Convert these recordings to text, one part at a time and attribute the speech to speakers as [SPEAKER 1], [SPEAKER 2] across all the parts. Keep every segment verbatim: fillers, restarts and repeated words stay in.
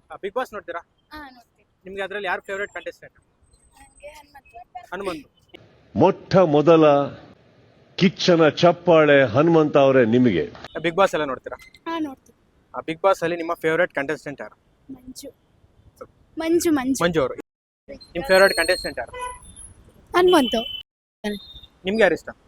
[SPEAKER 1] Big boss ನೋಡ್ತೀರಾ?
[SPEAKER 2] ಹಾ ನೋಡ್ತೀನಿ.
[SPEAKER 1] ನಿಮ್ಗೆ ಅದರಲ್ಲಿ ಯಾರು ಫೇವರೇಟ್ ಕಂಟೆಸ್ಟೆಂಟ್?
[SPEAKER 2] ನನಗೆ ಹನುಮಂತ.
[SPEAKER 1] ಹನುಮಂತು.
[SPEAKER 3] ಮೊಟ್ಟ ಮೊದಲ ಕಿಚ್ಚನ ಚಪ್ಪಾಳೆ ಹನುಮಂತ ಅವರೇ ನಿಮಗೆ.
[SPEAKER 1] ಬಿಗ್ ಬಾಸ್ ಎಲ್ಲ ನೋಡ್ತೀರಾ?
[SPEAKER 2] ಹಾ ನೋಡ್ತೀನಿ.
[SPEAKER 1] ಬಿಗ್ ಬಾಸ್ ಅಲ್ಲಿ ನಿಮ್ಮ ಫೇವರೇಟ್ ಕಂಟೆಸ್ಟೆಂಟ್ ಯಾರು?
[SPEAKER 2] ಮಂಜು ಮಂಜು ಮಂಜು
[SPEAKER 1] ಮಂಜು ಅವರು. ನಿಮ್ಮ ಫೇವರೇಟ್ ಕಂಟೆಸ್ಟೆಂಟ್ ಯಾರು?
[SPEAKER 2] ಹನುಮಂತು.
[SPEAKER 1] ನಿಮ್ಗೆ ಯಾರು ಇಷ್ಟ?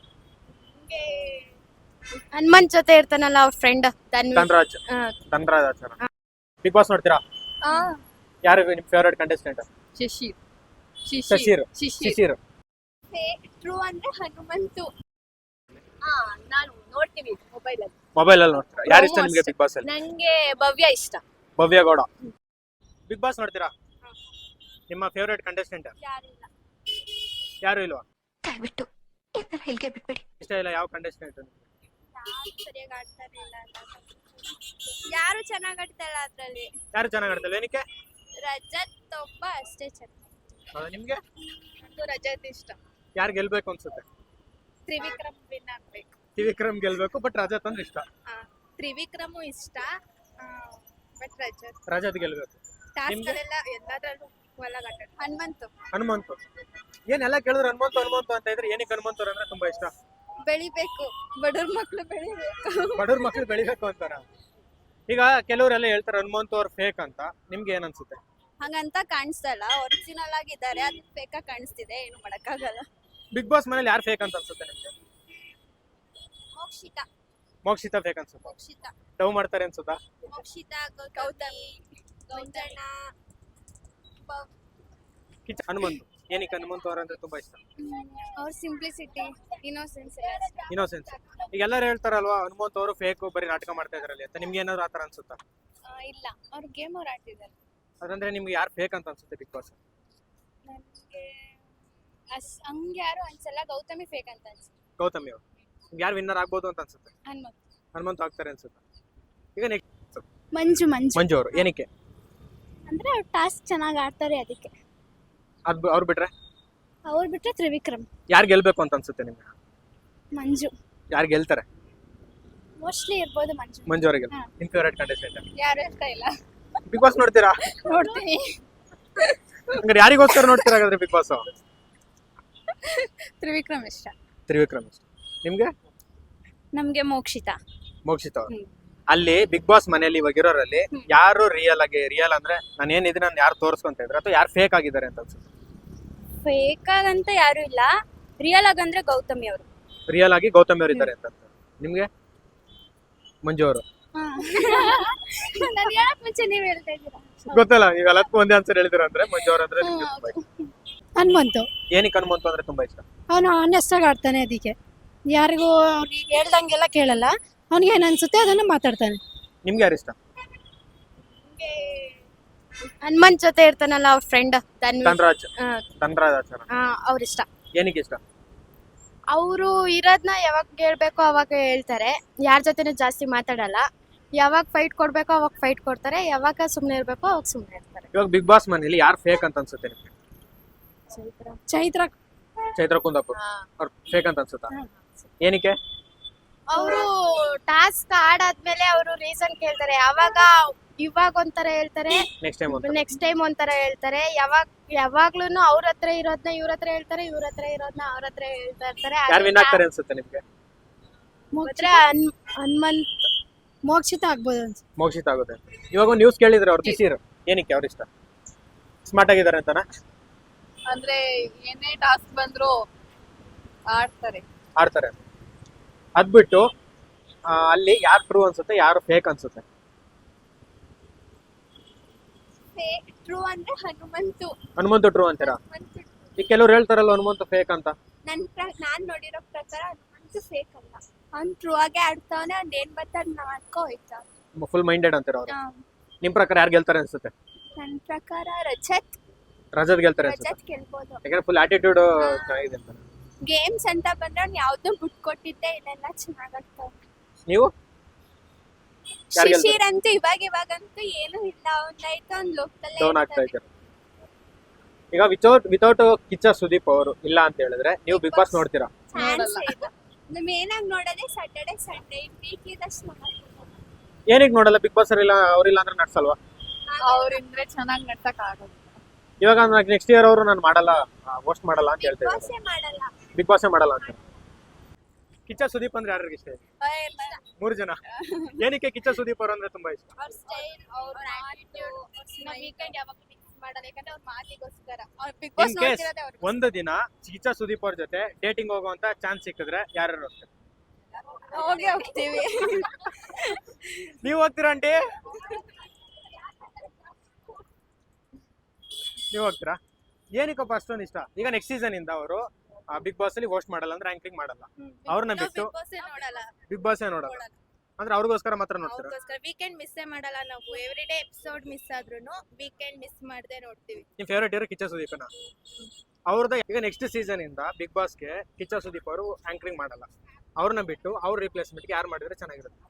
[SPEAKER 2] ಹನುಮಂತ್ ಜೊತೆ ಇರ್ತಾನಲ್ಲ ಅವ್ರ ಫ್ರೆಂಡ್
[SPEAKER 1] ಧನರಾಜ್. ಧನರಾಜ್ ಆಚಾರ. ಬಿಗ್ ಬಾಸ್ ನೋಡ್ತೀರಾ? ಯಾರು ನಿಮ್ favourite contestant?
[SPEAKER 2] Shishir.
[SPEAKER 1] Shishir. Shishir.
[SPEAKER 2] True ಅಂದ್ರೆ ಹನುಮಂತು. ಹಾ ನಾನು ನೋಡ್ತೀವಿ ಮೊಬೈಲ್ ಅಲ್ಲಿ.
[SPEAKER 1] ಮೊಬೈಲ್ ಅಲ್ಲಿ ನೋಡ್ತೀರಾ? ಯಾರು ಇಷ್ಟ ನಿಮ್ಗೆ ಬಿಗ್ ಬಾಸ್ ಅಲ್ಲಿ?
[SPEAKER 2] ನಂಗೆ ಭವ್ಯ ಇಷ್ಟ.
[SPEAKER 1] ಭವ್ಯ ಗೌಡ. ಬಿಗ್ ಬಾಸ್ ನೋಡ್ತೀರಾ? ನಿಮ್ಮ ಫೇವರೇಟ್ ಕಂಟೆಸ್ಟೆಂಟ್
[SPEAKER 2] ಯಾರಿಲ್ಲ.
[SPEAKER 1] ಯಾರು ಇಲ್ವಾ?
[SPEAKER 4] ದಯವಿಟ್ಟು ಇದನ್ನ ಹೇಳಿಕೆ ಬಿಟ್ಬಿಡಿ.
[SPEAKER 1] ಇಷ್ಟ ಇಲ್ಲ ಯಾವ ಕಂಟೆಸ್ಟೆಂಟ್?
[SPEAKER 2] ಯಾರು ಸರಿಯಾಗಿ ಆಡ್ತಾನೆ ಇಲ್ಲ ಯಾರು ಚೆನ್ನಾಗಿ ಆಡ್ತಾ ಇಲ್ಲ ಅದ್ರಲ್ಲಿ.
[SPEAKER 1] ಯಾರು ಚೆನ್ನಾಗಿ ಆಡ್ತಾರೆ? ಏನಕ್ಕೆ?
[SPEAKER 2] ರಜತ್ ಒಬ್ಬ ಅಷ್ಟೇ ಚೆನ್ನಾಗಿ.
[SPEAKER 1] ಹೌದಾ? ನಿಮ್ಗೆ
[SPEAKER 2] ನಂಗೂ ರಜತ್ ಇಷ್ಟ.
[SPEAKER 1] ಯಾರು ಗೆಲ್ಬೇಕು ಅನ್ಸುತ್ತೆ?
[SPEAKER 2] ತ್ರಿವಿಕ್ರಮ್ ವಿನ್ ಆಗ್ಬೇಕು.
[SPEAKER 1] ತ್ರಿವಿಕ್ರಮ್ ಗೆಲ್ಬೇಕು, ಬಟ್ ರಜತ್ ಅಂದ್ರೆ ಇಷ್ಟ.
[SPEAKER 2] ತ್ರಿವಿಕ್ರಮು ಇಷ್ಟ ಬಟ್ ರಜತ್
[SPEAKER 1] ರಜತ್ ಗೆಲ್ಬೇಕು.
[SPEAKER 2] ಟಾಸ್ಕ್
[SPEAKER 1] ನಿಮ್ಗೆ?
[SPEAKER 2] ಅಲ್ಲೆಲ್ಲ ಎಲ್ಲದರಲ್ಲೂ ಒಳಗಾಟ. ಹನುಮಂತು.
[SPEAKER 1] ಹನುಮಂತು. ಏನೆಲ್ಲ ಕೇಳಿದ್ರು ಹನುಮಂತು ಹನುಮಂತು ಅಂತ ಇದ್ರೆ ಏನಕ್ಕೆ ಹನುಮಂತು ಅಂದ್ರೆ ತುಂಬಾ ಇಷ್ಟ?
[SPEAKER 2] ಬೆಳಿಬೇಕು, ಬಡವ್ರ ಮಕ್ಳು ಬೆಳಿಬೇಕು.
[SPEAKER 1] ಬಡವ್ರ ಮಕ್ಳು ಬೆಳಿಬೇಕು ಅಂತಾರ. ಈಗ ಕೆಲವರೆಲ್ಲ ಹೇಳ್ತಾರೆ ಹನುಮಂತು ಅವ್ರು ಫೇಕ್ ಅಂತ, ನಿಮ್ಗೆ ಏನ್ ಅನ್ಸುತ್ತೆ?
[SPEAKER 2] ಹಂಗಂತ ಕಾಣಿಸ್ತಾ ಇಲ್ಲ, ಒರಿಜಿನಲ್ ಆಗಿದ್ದಾರೆ, ಅದು ಫೇಕ್ ಆಗಿ ಕಾಣಿಸ್ತಿದೆ, ಏನು ಮಾಡಕ್ಕಾಗಲ್ಲ.
[SPEAKER 1] ಬಿಗ್ ಬಾಸ್ ಮನೇಲಿ ಯಾರು ಫೇಕ್ ಅಂತ ಅನ್ಸುತ್ತೆ ನಿಮ್ಗೆ?
[SPEAKER 2] ಮೋಕ್ಷಿತಾ.
[SPEAKER 1] ಮೋಕ್ಷಿತಾ ಫೇಕ್ ಅನ್ಸುತ್ತೆ?
[SPEAKER 2] ಮೋಕ್ಷಿತಾ
[SPEAKER 1] ಡವ್ ಮಾಡ್ತಾರೆ ಅನ್ಸುತ್ತಾ?
[SPEAKER 2] ಮೋಕ್ಷಿತಾ ಗೌತಮಿ ಗೌತಣ್ಣ
[SPEAKER 1] ಕಿಚ್ಚ. ಹನುಮಂತು. ಏನಕ್ಕೆ ಹನುಮಂತು ಅವ್ರ ಅಂದ್ರೆ ತುಂಬಾ ಇಷ್ಟ?
[SPEAKER 2] ಅವ್ರ ಸಿಂಪ್ಲಿಸಿಟಿ, ಇನ್ನೋಸೆನ್ಸ್.
[SPEAKER 1] ಇನ್ನೋಸೆನ್ಸ್. ಈಗ ಎಲ್ಲರೂ ಹೇಳ್ತಾರಲ್ವಾ ಹನುಮಂತು ಅವರು ಫೇಕ್, ಬರೀ ನಾಟಕ ಮಾಡ್ತಾ ಇದ್ರಲ್ಲಿ ಅಂತ, ನಿಮ್ಗೆ ಏನಾದ್ರು ಆತರ ಅನ್ಸುತ್ತಾ?
[SPEAKER 2] ಇಲ್ಲ, ಅವ್ರ ಗೇಮ್ ಅವ್ರು ಆಡ್ತಿದ್ದಾರೆ.
[SPEAKER 1] ಅದಂದ್ರೆ ನಿಮ್ಗೆ ಯಾರು ಫೇಕ್ ಅಂತ ಅನ್ಸುತ್ತೆ ಬಿಗ್ ಬಾಸ್?
[SPEAKER 2] ನನಗೆ ಅಸ್ ಹಂಗೆ ಯಾರು ಅನ್ಸಲ್ಲ, ಗೌತಮಿ ಫೇಕ್ ಅಂತ ಅನ್ಸುತ್ತೆ.
[SPEAKER 1] ಗೌತಮಿ ಅವರು. ಯಾರು ವಿನ್ನರ್ ಆಗ್ಬೋದು ಅಂತ ಅನ್ಸುತ್ತೆ?
[SPEAKER 2] ಹನುಮಂತ್.
[SPEAKER 1] ಹನುಮಂತು ಆಗ್ತಾರೆ ಅನ್ಸುತ್ತೆ. ಈಗ ನೆಕ್ಸ್ಟ್
[SPEAKER 2] ಮಂಜು ಮಂಜು
[SPEAKER 1] ಮಂಜು ಅವರು. ಏನಕ್ಕೆ?
[SPEAKER 2] ಅಂದ್ರೆ ಅವ್ರು ಟಾಸ್ಕ್ ಚೆನ್ನಾಗಿ ಆಡ್ತಾರೆ ಅದಕ್ಕೆ.
[SPEAKER 1] ಅದ್ ಅವ್ರು ಬಿಟ್ರೆ
[SPEAKER 2] ಅವ್ರು ಬಿಟ್ರೆ ತ್ರಿವಿಕ್ರಮ್.
[SPEAKER 1] ಯಾರು ಗೆಲ್ಬೇಕು ಅಂತ ಅನ್ಸುತ್ತೆ ನಿಮ್ಗೆ?
[SPEAKER 2] ಮಂಜು.
[SPEAKER 1] ಯಾರು ಗೆಲ್ತಾರೆ?
[SPEAKER 2] ಮೋಸ್ಟ್ಲಿ ಇರ್ಬೋದು ಮಂಜು.
[SPEAKER 1] ಮಂಜು ಅವರಿಗೆ.
[SPEAKER 2] ಹಾ.
[SPEAKER 1] ನಿಮ್ ಫೇವರೇಟ್ ಕಂಟೆಸ್ಟೆಂಟ್
[SPEAKER 2] ಯಾರು ಇಷ್ಟ ಇಲ್ಲ.
[SPEAKER 1] ಬಿಗ್ ಬಾಸ್ ನೋಡ್ತೀರಾ?
[SPEAKER 2] ನೋಡ್ತೀನಿ.
[SPEAKER 1] ಹಂಗಾರೆ ಯಾರಿಗೋಸ್ಕರ ನೋಡ್ತೀರಾ ಹಾಗಾದ್ರೆ ಬಿಗ್ ಬಾಸ್?
[SPEAKER 2] ತ್ರಿವಿಕ್ರಮ್ ಇಷ್ಟ.
[SPEAKER 1] ತ್ರಿವಿಕ್ರಮ್ ಇಷ್ಟ. ನಿಮ್ಗೆ?
[SPEAKER 2] ನಮ್ಗೆ ಮೋಕ್ಷಿತಾ.
[SPEAKER 1] ಮೋಕ್ಷಿತ ಅವರು. ಅಲ್ಲಿ ಬಿಗ್ ಬಾಸ್ ಮನೆಯಲ್ಲಿ ಇವಾಗ ಇರೋರಲ್ಲಿ ಯಾರು ರಿಯಲ್ ಆಗಿ, ರಿಯಲ್ ಅಂದ್ರೆ ನಾನು ಏನಿದ್ರೆ ನಾನು ಯಾರು ತೋರಿಸ್ಕೊಂತ ಇದ್ರೆ ಅಥವಾ ಯಾರು ಫೇಕ್ ಆಗಿದ್ದಾರೆ ಅಂತ ಅನ್ಸುತ್ತೆ?
[SPEAKER 2] ಫೇಕ್ ಆಗಂತ ಯಾರು ಇಲ್ಲ, ರಿಯಲ್ ಆಗಂದ್ರೆ ಗೌತಮಿ ಅವರು.
[SPEAKER 1] ರಿಯಲ್ ಆಗಿ ಗೌತಮಿ ಅವರು ಇದ್ದಾರೆ ಅಂತ. ನಿಮ್ಗೆ? ಮಂಜು ಅವರು.
[SPEAKER 2] ನಾನು ಹೇಳಕ್ ಮುಂಚೆ ನೀವ್ ಹೇಳ್ತಾ ಇದ್ದೀರಾ.
[SPEAKER 1] ಗೊತ್ತಲ್ಲ, ಈಗ ಎಲ್ಲದಕ್ಕೂ ಒಂದೇ ಆನ್ಸರ್ ಹೇಳಿದಿರ ಅಂದ್ರೆ ಮಂಜು ಅವರು ಅಂದ್ರೆ ನಿಮ್ಗೆ ತುಂಬಾ ಇಷ್ಟ.
[SPEAKER 5] ಹನುಮಂತು.
[SPEAKER 1] ಏನಕ್ಕೆ ಹನುಮಂತು ಅಂದ್ರೆ ತುಂಬಾ ಇಷ್ಟ?
[SPEAKER 5] ಅವನು ಆನೆಸ್ಟ್ ಆಗಿ ಆಡ್ತಾನೆ, ಅದಕ್ಕೆ ಯಾರಿಗೂ ಅವ್ರಿಗೆ ಹೇಳ್ದಂಗೆಲ್ಲ ಕೇಳಲ್ಲ, ಅವ್ನಿಗೆ ಏನ್ ಅನ್ಸುತ್ತೆ ಅದನ್ನ ಮಾತಾಡ್ತಾನೆ.
[SPEAKER 1] ನಿಮ್ಗೆ ಯಾರು ಇಷ್ಟ?
[SPEAKER 2] ಹನುಮಂತ್ ಜೊತೆ ಇರ್ತಾನಲ್ಲ ಅವ್ರ ಫ್ರೆಂಡ್
[SPEAKER 1] ಧನರಾಜ್. ಧನರಾಜ್ ಆಚಾರ.
[SPEAKER 2] ಅವ್ರ ಇಷ್ಟ.
[SPEAKER 1] ಏನಕ್ಕೆ ಇಷ್ಟ?
[SPEAKER 2] ಅವರು ಇರೋದ್ನ ಯಾವಾಗ ಹೇಳ್ಬೇಕೋ ಅವಾಗ ಹೇಳ್ತಾರೆ, ಯಾರ ಜೊತೆನೂ ಜಾಸ್ತಿ ಮಾತಾಡಲ್ಲ, ಯಾವಾಗ ಫೈಟ್ ಕೊಡ್ಬೇಕೋ ಅವಾಗ ಫೈಟ್ ಕೊಡ್ತಾರೆ, ಯಾವಾಗ ಸುಮ್ನೆ ಇರ್ಬೇಕೋ ಅವಾಗ ಸುಮ್ನೆ ಇರ್ತಾರೆ.
[SPEAKER 1] ಇವಾಗ ಬಿಗ್ ಬಾಸ್ ಮನೇಲಿ ಯಾರು ಫೇಕ್ ಅಂತ ಅನ್ಸುತ್ತೆ ನಿಮ್ಗೆ?
[SPEAKER 5] ಚೈತ್ರ.
[SPEAKER 1] ಚೈತ್ರ ಕುಂದಾಪುರ್ ಅವ್ರು ಫೇಕ್ ಅಂತ ಅನ್ಸುತ್ತಾ? ಏನಕ್ಕೆ?
[SPEAKER 2] ಅವರು ಟಾಸ್ಕ್ ಆಡಾದ್ಮೇಲೆ ಅವರು ರೀಸನ್ ಕೇಳ್ತಾರೆ, ಯಾವಾಗ ಇವಾಗ ಒಂಥರ ಹೇಳ್ತಾರೆ,
[SPEAKER 1] ನೆಕ್ಸ್ಟ್ ಟೈಮ್ ಅಂತ.
[SPEAKER 2] ನೆಕ್ಸ್ಟ್ ಟೈಮ್ ಒಂಥರ ಹೇಳ್ತಾರೆ, ಯಾವಾಗ ಯಾವಾಗ್ಲೂನು ಅವ್ರ ಹತ್ರ ಇರೋದ್ನ ಇವ್ರ ಹತ್ರ ಹೇಳ್ತಾರೆ, ಇವ್ರ ಹತ್ರ ಇರೋದ್ನ ಅವ್ರ ಹತ್ರ ಹೇಳ್ತಾ ಇರ್ತಾರೆ.
[SPEAKER 1] ಯಾರು ವಿನ್ ಆಗ್ತಾರೆ ಅನ್ಸುತ್ತೆ ನಿಮ್ಗೆ?
[SPEAKER 2] ಮಾತ್ರ ಹನುಮಂತ್.
[SPEAKER 5] ಮೋಕ್ಷಿತ ಆಗ್ಬೋದು ಅನ್ಸುತ್ತೆ.
[SPEAKER 1] ಮೋಕ್ಷಿತ ಆಗುತ್ತೆ. ಇವಾಗ ನ್ಯೂಸ್ ಕೇಳಿದ್ರೆ ಅವ್ರು ಕಿಸಿರ್. ಏನಕ್ಕೆ ಅವ್ರ ಇಷ್ಟ? ಸ್ಮಾರ್ಟ್ ಆಗಿದ್ದಾರೆ ಅಂತನಾ?
[SPEAKER 6] ಅಂದ್ರೆ ಏನೇ ಟಾಸ್ಕ್ ಬಂದ್ರು ಆಡ್ತಾರೆ.
[SPEAKER 1] ಆಡ್ತಾರೆ. ಅದ್ ಬಿಟ್ಟು ಆ, ಅಲ್ಲಿ ಯಾರು ಟ್ರೂ ಅನ್ಸುತ್ತೆ, ಯಾರು ಫೇಕ್ ಅನ್ಸುತ್ತೆ?
[SPEAKER 2] ಟ್ರೂ ಅಂದ್ರೆ ಹನುಮಂತು.
[SPEAKER 1] ಹನುಮಂತು ಟ್ರೂ ಅಂತೀರಾ? ಈಗ ಕೆಲವ್ರು ಹೇಳ್ತಾರಲ್ಲ ಹನುಮಂತು ಫೇಕ್ ಅಂತ.
[SPEAKER 2] ನನ್ ನಾನ್ ನೋಡಿರೋ ಪ್ರಕಾರ ಹನುಮಂತು ಫೇಕ್ ಅಲ್ಲ, ಅವ್ನ್ ಟ್ರೂ ಆಗೇ ಆಡ್ತಾವನೆ, ಅವ್ನ್ ಏನ್ ಬರ್ತಾರ ಮಾಡ್ಕೊ ಹೋಯ್ತಾವ.
[SPEAKER 1] ಫುಲ್ ಮೈಂಡೆಡ್ ಅಂತೀರ ಅವ್ರು. ನಿಮ್ ಪ್ರಕಾರ ಯಾರು ಗೆಲ್ತಾರೆ ಅನ್ಸುತ್ತೆ?
[SPEAKER 2] ನನ್ ಪ್ರಕಾರ ರಜತ್.
[SPEAKER 1] ರಜತ್ ಗೆಲ್ತಾರೆ ಅನ್ಸುತ್ತೆ.
[SPEAKER 2] ರಜತ್ ಗೆಲ್ಬೋದು.
[SPEAKER 1] ಯಾಕಂದ್ರೆ ಫುಲ್ ಆಟಿಟ್ಯೂಡ್ ಚೆನ್ನಾಗಿದೆ ಅಂತ.
[SPEAKER 2] ಗೇಮ್ಸ್ ಅಂತ ಬಂದ್ರೆ ಅವ್ನ್ ಯಾವ್ದು ಬಿಟ್ ಕೊಟ್ಟಿದ್ದೆ ಇಲ್ಲೆಲ್ಲ ಚೆನ್ನಾಗ್ ಆಡ್ತಾವ.
[SPEAKER 1] ನೀವು? ಯಾರ್ ಗೆಲ್ತಾರೆ?
[SPEAKER 2] ಶಿಶಿರ್ ಅಂತೂ ಇವಾಗ ಇವಾಗಂತೂ ಏನು ಇಲ್ಲ, ಒಂದಾಯ್ತು ಒಂದ್ ಲೋಕದಲ್ಲೇ
[SPEAKER 1] ಡೌನ್ ಆಗ್ತಾ ಇದ್ದಾರೆ. ಈಗ ವಿತೌಟ್ ವಿತೌಟ್ ಕಿಚ್ಚ ಸುದೀಪ್ ಅವರು ಇಲ್ಲ ಅಂತ ಹೇಳಿದ್ರೆ ನೀವು ಬಿಗ್ ಬಾಸ್ ನೋಡ್ತೀರಾ?
[SPEAKER 2] ನಮ್ ಏನಾಗ್ ನೋಡೋದೇ ಸ್ಯಾಟರ್ಡೆ ಸಂಡೇ ವೀಕ್ ಇದಷ್ಟು.
[SPEAKER 1] ಏನಕ್ಕೆ ನೋಡಲ್ಲ? ಬಿಗ್ ಬಾಸ್ ಇಲ್ಲ ಅವ್ರಿಲ್ಲ ಅಂದ್ರೆ ನಡ್ಸಲ್ವಾ?
[SPEAKER 6] ಅವ್ರಿಂದ್ರೆ ಚೆನ್ನಾಗಿ ನಡ್ಸಕ್ ಆಗೋದು.
[SPEAKER 1] ಇವಾಗ ನೆಕ್ಸ್ಟ್ ಇಯರ್ ಅವರು ನಾನು ಮಾಡಲ್ಲ ಹೋಸ್ಟ್ ಮಾಡಲ್ಲ ಅಂತ ಹೇಳ್ತಾ ಇದ್ದಾರೆ. ಬಿಗ್ ಬಾಸ್ ಮಾಡಲ್ಲ ಅಂತ. ಕಿಚ್ಚ ಸುದೀಪ್ ಅಂದ್ರೆ ಯಾರಿಗೆ ಇಷ್ಟ? ಮೂರು ಜನ. ಏನಕ್ಕೆ ಕಿಚ್ಚ ಸುದೀಪ್ ಅವರು ಅಂದ್ರೆ ತುಂಬಾ ಇಷ್ಟ?
[SPEAKER 2] ಅವ್ರ ಸ್ಟೈಲ್, ಅವ್ರ ಆಟಿಟ್ಯೂಡ್, ವೀಕೆಂಡ್ ಯಾವಾಗ ಮಿಕ್ಸ್ ಮಾಡಲ್ಲ, ಯಾಕಂದ್ರೆ ಅವ್ರ ಮಾತಿಗೋಸ್ಕರ. ಅವ್ರ ಬಿಗ್ ಬಾಸ್
[SPEAKER 1] ಇನ್ ಕೇಸ್
[SPEAKER 2] ನೋಡ್ತಿರೋದೇ ಅವ್ರ
[SPEAKER 1] ಒಂದು ದಿನ ಕಿಚ್ಚ ಸುದೀಪ್ ಅವ್ರ ಜೊತೆ ಡೇಟಿಂಗ್ ಹೋಗುವಂತ ಚಾನ್ಸ್ ಸಿಕ್ಕಿದ್ರೆ ಯಾರು ಹೋಗ್ತಾರೆ?
[SPEAKER 2] ಹೋಗಿ ಹೋಗ್ತೀವಿ.
[SPEAKER 1] ನೀವ್ ಹೋಗ್ತೀರಾ ಆಂಟಿ? ನೀವ್ ಹೋಗ್ತೀರಾ? ಏನಕ್ಕಪ್ಪ ಅಷ್ಟೊಂದು ಇಷ್ಟ? ಈಗ ನೆಕ್ಸ್ಟ್ ಸೀಸನ್ ಇಂದ ಅವರು ಬಿಗ್ ಬಾಸ್ ಅಲ್ಲಿ ಹೋಸ್ಟ್ ಮಾಡಲ್ಲ ಅಂದ್ರೆ ರ್ಯಾಂಕಿಂಗ್ ಮಾಡಲ್ಲ, ಅವ್ರನ್ನ ಬಿಟ್ಟು
[SPEAKER 2] ಬಿಗ್ ಬಾಸ್ ನೋಡಲ್ಲ,
[SPEAKER 1] ಬಿಗ್ ಬಾಸ್ ನೋಡಲ್ಲ ಅಂದ್ರೆ ಅವ್ರಿಗೋಸ್ಕರ ಮಾತ್ರ ನೋಡ್ತೀರಾ?
[SPEAKER 2] ಅವ್ರಿಗೋಸ್ಕರ ವೀಕೆಂಡ್ ಮಿಸ್ಸೇ ಮಾಡಲ್ಲ ನಾವು. ಎವ್ರಿ ಡೇ ಎಪಿಸೋಡ್ ಮಿಸ್ ಆದ್ರೂನು ವೀಕೆಂಡ್ ಮಿಸ್ ಮಾಡದೆ ನೋಡ್ತೀವಿ.
[SPEAKER 1] ನಿಮ್ ಫೇವರೇಟ್ ಹೀರೋ ಕಿಚ್ಚ ಸುದೀಪನ? ಅವ್ರದ್ದು ಈಗ ನೆಕ್ಸ್ಟ್ ಸೀಸನ್ ಇಂದ ಬಿಗ್ ಬಾಸ್ಗೆ ಕಿಚ್ಚ ಸುದೀಪ್ ಅವರು ಆಂಕರಿಂಗ್ ಮಾಡಲ್ಲ, ಅವ್ರನ್ನ ಬಿಟ್ಟು ಅವ್ರ ರಿಪ್ಲೇಸ್ಮೆಂಟ್ಗೆ ಯಾರು ಮಾಡಿದ್ರೆ ಚೆನ್ನಾಗಿರುತ್ತೆ?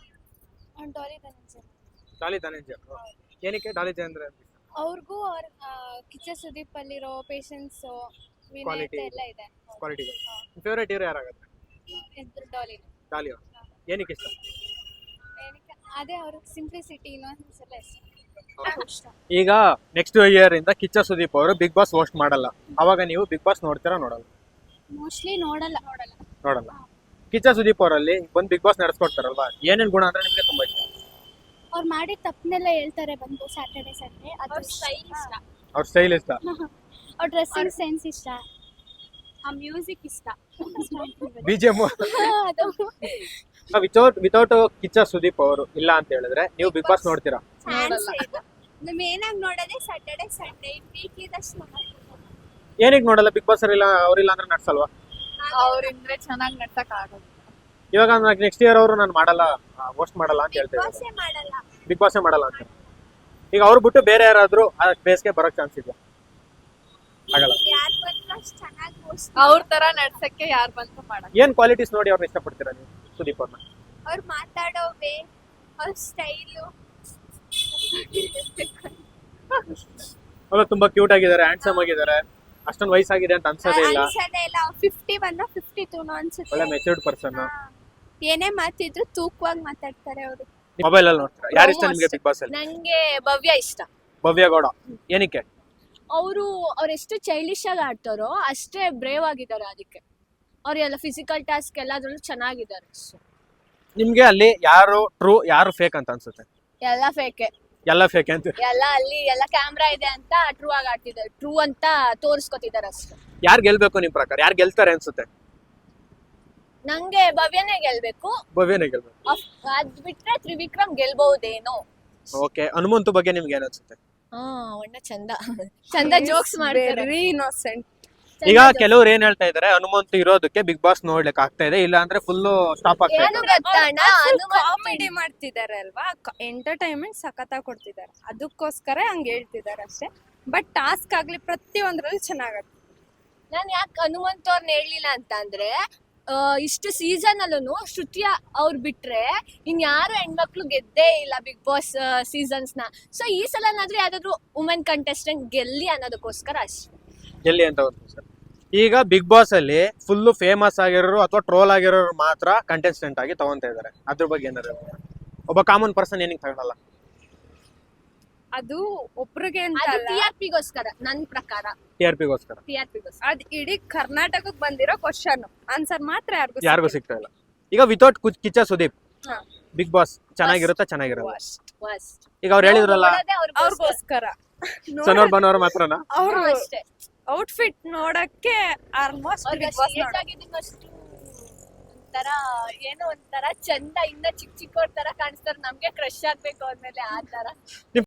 [SPEAKER 1] ಡಾಲಿ ಧನಂಜಯ. ಏನಕ್ಕೆ ಡಾಲಿ ಧನಂಜಯ ಅಂತ?
[SPEAKER 2] ಅವ್ರಿಗೂ ಅವ್ರ ಕಿಚ್ಚ ಸುದೀಪ್ ಅಲ್ಲಿರೋ ಪೇಷನ್ಸ್,
[SPEAKER 1] Quality.
[SPEAKER 2] ವಿನಯತೆ ಎಲ್ಲ ಇದೆ.
[SPEAKER 1] ಕ್ವಾಲಿಟಿ. ನಿಮ್ ಫೇವರೇಟ್ ಹೀರೋ ಯಾರಾಗುತ್ತೆ?
[SPEAKER 2] ಇದ್ರ ಡಾಲಿ.
[SPEAKER 1] ಡಾಲಿ ಅವರು. ಏನಕ್ಕೆ ಇಷ್ಟ?
[SPEAKER 2] ಏನಕ್ಕೆ? ಅದೇ ಅವ್ರ ಸಿಂಪ್ಲಿಸಿಟಿ, ಇನ್ನೊಂದ್ಸ್ ಎಲ್ಲ ಇಷ್ಟ.
[SPEAKER 1] ಈಗ ನೆಕ್ಸ್ಟ್ ಇಯರ್ ಇಂದ ಕಿಚ್ಚ ಸುದೀಪ್ ಅವರು ಬಿಗ್ ಬಾಸ್ ಹೋಸ್ಟ್ ಮಾಡಲ್ಲ, ಅವಾಗ ನೀವು ಬಿಗ್ ಬಾಸ್ ನೋಡ್ತೀರಾ ನೋಡಲ್ಲ?
[SPEAKER 2] ಮೋಸ್ಟ್ಲಿ ನೋಡಲ್ಲ ನೋಡಲ್ಲ
[SPEAKER 1] ನೋಡಲ್ಲ. ಕಿಚ್ಚ ಸುದೀಪ್ ಅವರಲ್ಲಿ ಬಂದು ಬಿಗ್ ಬಾಸ್ ನಡೆಸ್ಕೊಡ್ತಾರಲ್ವಾ, ಏನೇನ್ ಗುಣ ಅಂದ್ರೆ ನಿಮ್ಗೆ ತುಂಬಾ ಇಷ್ಟ?
[SPEAKER 2] ಅವ್ರು ಮಾಡಿದ ತಪ್ಪನ್ನೆಲ್ಲ ಹೇಳ್ತಾರೆ ಬಂದು ಸ್ಯಾಟರ್ಡೆ ಸಂಡೇ. ಅದು ಸ್ಟೈಲ್ ಇಷ್ಟ,
[SPEAKER 1] ಅವ್ರ ಸ್ಟೈಲ್ ಇಷ್ಟ,
[SPEAKER 2] ಅವ್ರ ಡ್ರೆಸ್ಸಿಂಗ್ ಸೆನ್ಸ್ ಇಷ್ಟ, ಆ ಮ್ಯೂಸಿಕ್ ಇಷ್ಟ.
[SPEAKER 1] ಬಿಜಿಎಂ.
[SPEAKER 2] ಅದು
[SPEAKER 1] ವಿತೌಟ್ ವಿತೌಟ್ ಕಿಚ್ಚ ಸುದೀಪ್ ಅವರು ಇಲ್ಲ ಅಂತ ಹೇಳಿದ್ರೆ ನೀವು ಬಿಗ್ ಬಾಸ್ ನೋಡ್ತೀರಾ?
[SPEAKER 2] ನಮ್ಮ ಏನಾಗಿ ನೋಡೋದೇ ಸ್ಯಾಟರ್ಡೆ ಸಂಡೇ ವೀಕ್ ಇದಷ್ಟು.
[SPEAKER 1] ಏನಕ್ಕೆ ನೋಡಲ್ಲ? ಬಿಗ್ ಬಾಸ್ ಇಲ್ಲ ಅವ್ರಿಲ್ಲ ಅಂದ್ರೆ ನಡ್ಸಲ್ವಾ?
[SPEAKER 6] ಅವ್ರಿಂದ್ರೆ ಚೆನ್ನಾಗಿ ನಡ್ಸಕ್ ಆಗೋದು.
[SPEAKER 1] ಇವಾಗ ನೆಕ್ಸ್ಟ್ ಇಯರ್ ಅವರು ನಾನು ಮಾಡಲ್ಲ ಹೋಸ್ಟ್ ಮಾಡಲ್ಲ ಅಂತ ಹೇಳ್ತಾ ಇದ್ದಾರೆ.
[SPEAKER 2] ಬಾಸೇ ಮಾಡಲ್ಲ.
[SPEAKER 1] ಬಿಗ್ ಬಾಸ್ ಮಾಡಲ್ಲ ಅಂತ. ಈಗ ಅವ್ರು ಬಿಟ್ಟು ಬೇರೆ ಯಾರಾದ್ರೂ ಆ ಬೇಸ್ಗೆ ಬರೋಕ್ ಚಾನ್ಸ್ ಇದೆಯಾ? ಆಗಲ್ಲ.
[SPEAKER 2] ಯಾರು ಬಂದ್ರು ಅಷ್ಟು ಚೆನ್ನಾಗಿ
[SPEAKER 6] ಅವ್ರ ತರ ನಡ್ಸಕ್ಕೆ ಯಾರು ಬಂತು ಮಾಡಕ್.
[SPEAKER 1] ಏನ್ ಕ್ವಾಲಿಟೀಸ್ ನೋಡಿ ಅವ್ರನ್ನ ಇಷ್ಟಪಡ್ತೀರಾ ನೀವು ಸುದೀಪ್ ಅವ್ರನ್ನ?
[SPEAKER 2] ಅವ್ರು ಮಾತಾಡೋ ವೇ, ಅವ್ರ ಸ್ಟೈಲು.
[SPEAKER 1] ಅವ್ರು ತುಂಬಾ ಕ್ಯೂಟ್ ಆಗಿದ್ದಾರೆ, ಹ್ಯಾಂಡ್ಸಮ್ ಆಗಿದ್ದಾರೆ, ಅಷ್ಟೊಂದು ವಯಸ್ಸಾಗಿದೆ ಅಂತ ಅನ್ಸೋದೇ ಇಲ್ಲ.
[SPEAKER 2] ಅನ್ಸದೇ ಇಲ್ಲ. ಫಿಫ್ಟಿ ಬಂದ ಫಿಫ್ಟಿ ಟೂ ಅನ್ಸುತ್ತೆ.
[SPEAKER 1] ಒಳ್ಳೆ ಮೆಚೂರ್ಡ್ ಪರ್ಸನ್.
[SPEAKER 2] ಏನೇ ಮಾತಿದ್ರು ತೂಕವಾಗಿ ಮಾತಾಡ್ತಾರೆ ಅವರು.
[SPEAKER 1] ಮೊಬೈಲ್ ಅಲ್ಲಿ ನೋಡ್ತೀರಾ? ಯಾರು ಇಷ್ಟ ನಿಮ್ಗೆ ಬಿಗ್ ಬಾಸ್ ಅಲ್ಲಿ?
[SPEAKER 7] ನಂಗೆ ಭವ್ಯ ಇಷ್ಟ.
[SPEAKER 1] ಭವ್ಯ ಗೌಡ. ಏನಕ್ಕೆ?
[SPEAKER 7] ಅವರು ಅವ್ರೆಷ್ಟು ಚೈಲ್ಡಿಶ್ ಆಗಿ ಆಡ್ತಾರೋ ಅಷ್ಟೇ ಬ್ರೇವ್ ಆಗಿದ್ದಾರೆ. ಅದಕ್ಕೆ ಅವ್ರೆಲ್ಲ ಫಿಸಿಕಲ್ ಟಾಸ್ಕ್ ಎಲ್ಲಾದ್ರಲ್ಲೂ ಚೆನ್ನಾಗಿದ್ದಾರೆ.
[SPEAKER 1] ನಿಮ್ಗೆ ಅಲ್ಲಿ ಯಾರು ಟ್ರೂ ಯಾರು ಫೇಕ್ ಅಂತ ಅನ್ಸುತ್ತೆ?
[SPEAKER 7] ಎಲ್ಲ ಫೇಕೆ,
[SPEAKER 1] ಎಲ್ಲ ಫೇಕ್ ಅಂತ.
[SPEAKER 7] ಎಲ್ಲ ಅಲ್ಲಿ ಎಲ್ಲ ಕ್ಯಾಮ್ರಾ ಇದೆ ಅಂತ ಟ್ರೂ ಆಗಿ ಆಡ್ತಿದ್ದಾರೆ, ಟ್ರೂ ಅಂತ ತೋರಿಸ್ಕೊತಿದ್ದಾರೆ ಅಷ್ಟೇ.
[SPEAKER 1] ಯಾರು ಗೆಲ್ಬೇಕು ನಿಮ್ ಪ್ರಕಾರ? ಯಾರು ಗೆಲ್ತಾರೆ ಅನ್ಸುತ್ತೆ?
[SPEAKER 7] ನಂಗೆ ಭವ್ಯನೇ ಗೆಲ್ಬೇಕು.
[SPEAKER 1] ಭವ್ಯನೇ ಗೆಲ್ಬೇಕು.
[SPEAKER 7] ಅಫ್- ಅದ್ ಬಿಟ್ರೆ ತ್ರಿವಿಕ್ರಮ್ ಗೆಲ್ಬಹುದೇನೋ.
[SPEAKER 1] ಓಕೆ. ಹನುಮಂತು ಬಗ್ಗೆ ನಿಮ್ಗೆ ಏನ್ ಅನ್ಸುತ್ತೆ?
[SPEAKER 7] ಹಾ ಒಳ್ಳೆ ಚಂದ ಚಂದ ಜೋಕ್ಸ್ ಮಾಡ್ತಾರೆ.
[SPEAKER 6] Very innocent.
[SPEAKER 1] ಈಗ ಕೆಲವ್ರು ಏನ್ ಹೇಳ್ತಾ ಇದಾರೆ, ಹನುಮಂತು ಇರೋದಕ್ಕೆ ಬಿಗ್ ಬಾಸ್ ನೋಡ್ಲಿಕ್ಕೆ ಆಗ್ತಾ ಇದೆ, ಇಲ್ಲ ಅಂದ್ರೆ ಫುಲ್ ಸ್ಟಾಪ್ ಆಗ್ತಾ
[SPEAKER 7] ಏನು
[SPEAKER 1] ಇದೆ.
[SPEAKER 7] ಗೊತ್ತಣ್ಣ, ಹನುಮಂತ್
[SPEAKER 6] ಕಾಮಿಡಿ ಮಾಡ್ತಿದ್ದಾರೆ ಅಲ್ವಾ, ಎಂಟರ್ಟೈನ್ಮೆಂಟ್ ಸಖತ್ತಾಗಿ ಕೊಡ್ತಿದ್ದಾರೆ, ಅದಕ್ಕೋಸ್ಕರ ಹಂಗ ಹೇಳ್ತಿದ್ದಾರೆ ಅಷ್ಟೇ. ಬಟ್ ಟಾಸ್ಕ್ ಆಗ್ಲಿ ಪ್ರತಿಯೊಂದ್ರಲ್ಲಿ ಚೆನ್ನಾಗತ್ತೆ.
[SPEAKER 7] ನಾನ್ ಯಾಕೆ ಹನುಮಂತ್ ಅವ್ರನ್ನ ಹೇಳಲಿಲ್ಲ ಅಂತ ಅಂದ್ರೆ, ಆ, ಇಷ್ಟು ಸೀಸನ್ ಅಲ್ಲೂ ಶ್ರುತಿಯ ಅವ್ರು ಬಿಟ್ರೆ ಇನ್ಯಾರು ಹೆಣ್ಮಕ್ಳು ಗೆದ್ದೇ ಇಲ್ಲ ಬಿಗ್ ಬಾಸ್ ಸೀಸನ್ಸ್ ನ. ಸೊ ಈ ಸಲನಾದ್ರೂ ಯಾವ್ದಾದ್ರು ವುಮೆನ್ ಕಂಟೆಸ್ಟೆಂಟ್ ಗೆಲ್ಲಿ ಅನ್ನೋದಕ್ಕೋಸ್ಕರ ಅಷ್ಟೇ.
[SPEAKER 1] ಗೆಲ್ಲಿ ಅಂತ ಸರ್. ಈಗ ಬಿಗ್ ಬಾಸ್ ಅಲ್ಲಿ ಫುಲ್ ಫೇಮಸ್ ಆಗಿರೋರು ಅಥವಾ ಟ್ರೋಲ್ ಆಗಿರೋರು ಮಾತ್ರ ಕಂಟೆಸ್ಟೆಂಟ್ ಆಗಿ ತಗೊಂತ ಇದಾರೆ, ಅದ್ರ ಬಗ್ಗೆ ಏನಾದ್ರು? ಒಬ್ಬ ಕಾಮನ್ ಪರ್ಸನ್ ಏನಕ್ಕೆ ತಗೊಳಲ್ಲ?
[SPEAKER 6] ಅದು ಒಬ್ರಿಗೆ ಅಂತ
[SPEAKER 7] ಅದು
[SPEAKER 6] ಅಲ್ಲ,
[SPEAKER 7] ಟಿ ಆರ್ ಪಿಗೋಸ್ಕರ ನನ್ ಪ್ರಕಾರ.
[SPEAKER 1] ಟಿ ಆರ್ ಪಿಗೋಸ್ಕರ.
[SPEAKER 7] ಟಿ ಆರ್ ಪಿಗೋಸ್ಕರ
[SPEAKER 6] ಅದ್ ಇಡೀ ಕರ್ನಾಟಕಕ್ಕೆ ಬಂದಿರೋ ಕ್ವಶನ್ ಆನ್ಸರ್ ಮಾತ್ರ ಯಾರಿಗೂ
[SPEAKER 1] ಯಾರಿಗೂ ಸಿಗ್ತಾ ಇಲ್ಲ. ಈಗ ವಿತೌಟ್ ಕಿಚ್ಚ ಸುದೀಪ್
[SPEAKER 6] ಹಾ.
[SPEAKER 1] ಬಿಗ್ ಬಾಸ್ ಚೆನ್ನಾಗಿರುತ್ತಾ ಚೆನ್ನಾಗಿರಲ್ಲ?
[SPEAKER 7] ಫಸ್ಟ್
[SPEAKER 1] ಈಗ ಅವ್ರು ಹೇಳಿದ್ರಲ್ಲ
[SPEAKER 6] ಅವ್ರಿಗೋಸ್ಕರ
[SPEAKER 1] ಸನೋರ್ ಬನೋರ್ ಮಾತ್ರನಾ?
[SPEAKER 6] ಅವ್ರು
[SPEAKER 7] ಅಷ್ಟೇ.
[SPEAKER 6] ಔಟ್ಫಿಟ್ ನೋಡಕ್ಕೆ ಆಲ್ಮೋಸ್ಟ್ ಬಿಗ್ ಬಾಸ್ ನೋಡಕ್ಕೆ
[SPEAKER 7] ಒಂಥರ ಏನೋ ಒಂಥರ ಚಂದ, ಇನ್ನ ಚಿಕ್ಕ ಚಿಕ್ಕವ್ರ ತರ ಕಾಣಿಸ್ತಾರೆ, ನಮ್ಗೆ ಕ್ರಶ್ ಆಗ್ಬೇಕು ಅಂದ್ಮೇಲೆ ಆ ತರ.